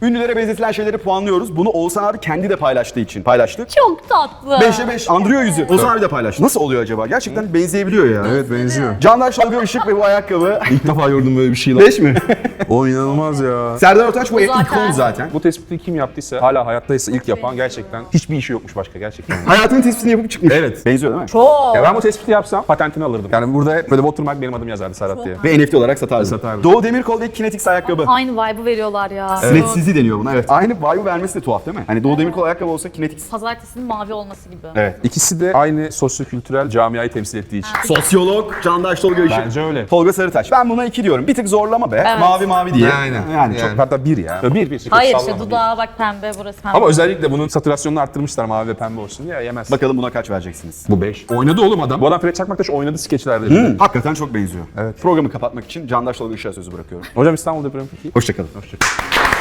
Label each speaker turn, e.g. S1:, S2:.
S1: Ünlülere benzetilen şeyleri puanlıyoruz. Bunu Oğuzhan abi kendi de paylaştığı için paylaştık.
S2: Çok tatlı.
S1: 5'e 5 andırıyor yüzü. Oğuzhan abi de paylaştı. Nasıl oluyor acaba? Gerçekten benzeyebiliyor ya.
S3: Evet benziyor.
S1: Candaş Tolga Işık ve bu ayakkabı.
S3: İlk defa gördüm böyle bir şey lan.
S1: 5 mi?
S3: O inanılmaz ya.
S1: Serdar Ortaç bu
S2: zaten.
S1: ikon zaten.
S4: Bu tespiti kim yaptıysa, hala hayattaysa ilk yapan gerçekten hiçbir işi yokmuş başka gerçekten.
S1: Hayatının tespitini yapıp çıkmış.
S3: Evet.
S1: Benziyor değil mi?
S2: Çok.
S4: Ya ben bu tespiti yapsam patentini alırdım. Yani burada hep böyle watermark benim adım yazardı Serhat diye.
S1: Ve NFT olarak satardı.
S3: Satardı.
S1: Doğu Demirkol ve Kinetix ayakkabı.
S2: Aynı vibe'ı veriyorlar ya.
S1: Sinetsizliği deniyor buna, evet. Aynı vibe'ı vermesi de tuhaf değil mi? Hani Doğu Demirkol ayakkabı olsa Kinetix.
S2: Pazartesinin mavi olması gibi.
S1: Evet.
S4: İkisi de aynı sosyokültürel camiayı temsil ettiği için.
S1: Sosyolog Candaş Tolga Işık.
S4: Bence öyle.
S1: Tolga Sarıtaş. Ben buna 2 diyorum. Bir tık zorlama be.
S2: Evet.
S1: Mavi mavi diye.
S3: Aynen.
S1: Yani çok.
S3: Yani.
S4: Hatta bir ya. Bir.
S2: Hayır
S4: Sallama
S2: işte
S4: bir.
S2: dudağa bak pembe burası pembe.
S4: Ama özellikle bunun satürasyonunu arttırmışlar mavi ve pembe olsun diye yemez.
S1: Bakalım buna kaç vereceksiniz?
S4: Bu 5. Oynadı oğlum adam. Bu adam Fred Çakmaktaş oynadı skeçlerde.
S1: Hakikaten çok benziyor.
S4: Evet.
S1: Programı kapatmak için Candaş Tolga Işık'a sözü bırakıyorum.
S4: Hocam İstanbul depremi peki.
S1: Hoşçakalın.
S4: Hoşçakalın.